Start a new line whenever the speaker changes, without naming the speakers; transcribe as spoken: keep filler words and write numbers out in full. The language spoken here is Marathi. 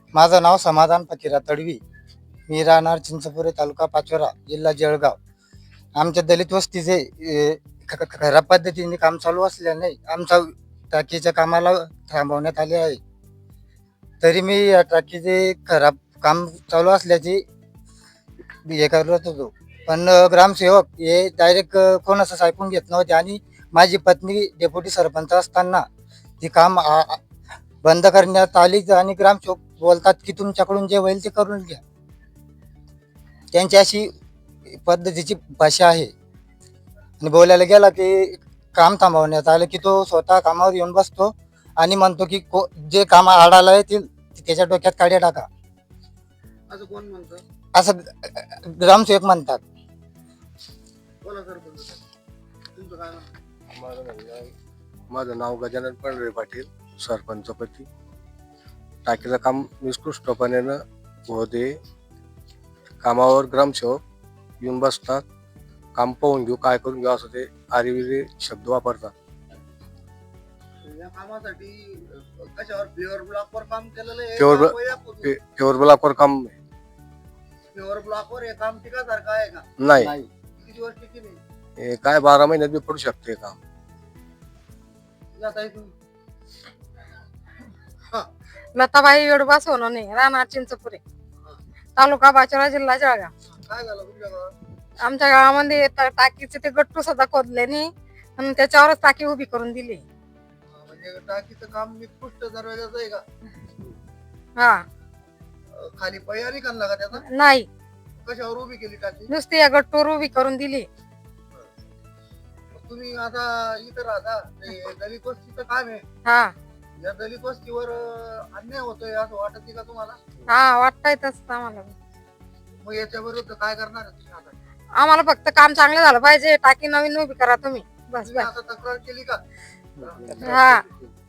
माझं नाव समाधान फकीरा तडवी. मी राहणार चिंचपुरे, तालुका पाचोरा, जिल्हा जळगाव. आमच्या दलित वस्तीचे ए, ख- ख- खराब पद्धतीने काम चालू असल्याने आमच्या टाकीच्या कामाला थांबवण्यात आले आहे. तरी मी या टाकीचे खराब काम चालू असल्याची हे करत होतो, पण अ, ग्रामसेवक हे डायरेक्ट कोणाचं ऐकून घेत नव्हते आणि माझी पत्नी डेप्युटी सरपंच असताना ती काम आ- आ- बंद करण्यात आली आणि ग्रामसेवक बोलतात की तुमच्याकडून जे होईल ते करून घ्या. त्यांची अशी पद्धतीची भाषा आहे. आणि बोलायला गेला की काम थांबवण्यात आलं की तो स्वतः कामावर येऊन बसतो आणि म्हणतो की को- जे काम आडाला येतील ते त्याच्या डोक्यात काड्या टाका,
असं कोण म्हणतं?
असं ग्रामसेवक म्हणतात.
बोला सरपंच साहेब. तुमचं काय म्हणणं?
माझं म्हणणं आहे, माझं नाव गजानन पंढरे पाटील, सरपंचपती. टाकीचं काम निष्कृष्टपणे होऊ दे. कामावर ग्रामसेवक येऊन बसतात, काम पाहून घेऊ, काय करून घेऊ, असं ते आरिविरी शब्द वापरतात.
या कामासाठी अ, कशावर फ्लेवर ब्लॉकवर काम केलेलं आहे
Pure
का
blo-
वैयक्तिक?
पे- प्युअर ब्लॉकवर काम
फ्लेवर ब्लॉकवर हे काम टिकासारखं आहे का?
नाही.
किती दिवस टिकी नाही?
हे काय बारा महिन्यात बी पडू शकते काम.
या ताई तुम्ही.
लताबाई येडबा सोनवणे, राहणार चिंचपुरे, तालुका बाचोरा, जिल्हा जळगाव.
काय झालं तुमच्या गावात?
आमच्या गावामध्ये टा- टाकीचे ते गट्टू सुद्धा खोदले नाही आणि त्याच्यावरच टाकी उभी करून दिली.
हा, म्हणजे टाकीचं काम निकृष्ट दर्जाचं आहे का?
हा,
अ, खाली पयारी काढला का त्याचा?
नाही,
कशावर उभी केली टाकी?
नुसती या गट्टूवर उभी करून दिली.
तुम्ही आता इथं राहता, ते दलित वस्तीचं काम आहे.
हा
या दलित वस्तीवर अ, अन्याय होतोय असं वाटत नाही का तुम्हाला?
हा वाटतंय तसं आम्हाला.
मग याच्या विरुद्ध काय करणार आहे तुम्ही आता?
आम्हाला फक्त काम चांगलं झालं पाहिजे, टाकी नवीन उभी करा तुम्ही, बस
तुम्ही
बस.
आता तक्रार केली का?
हा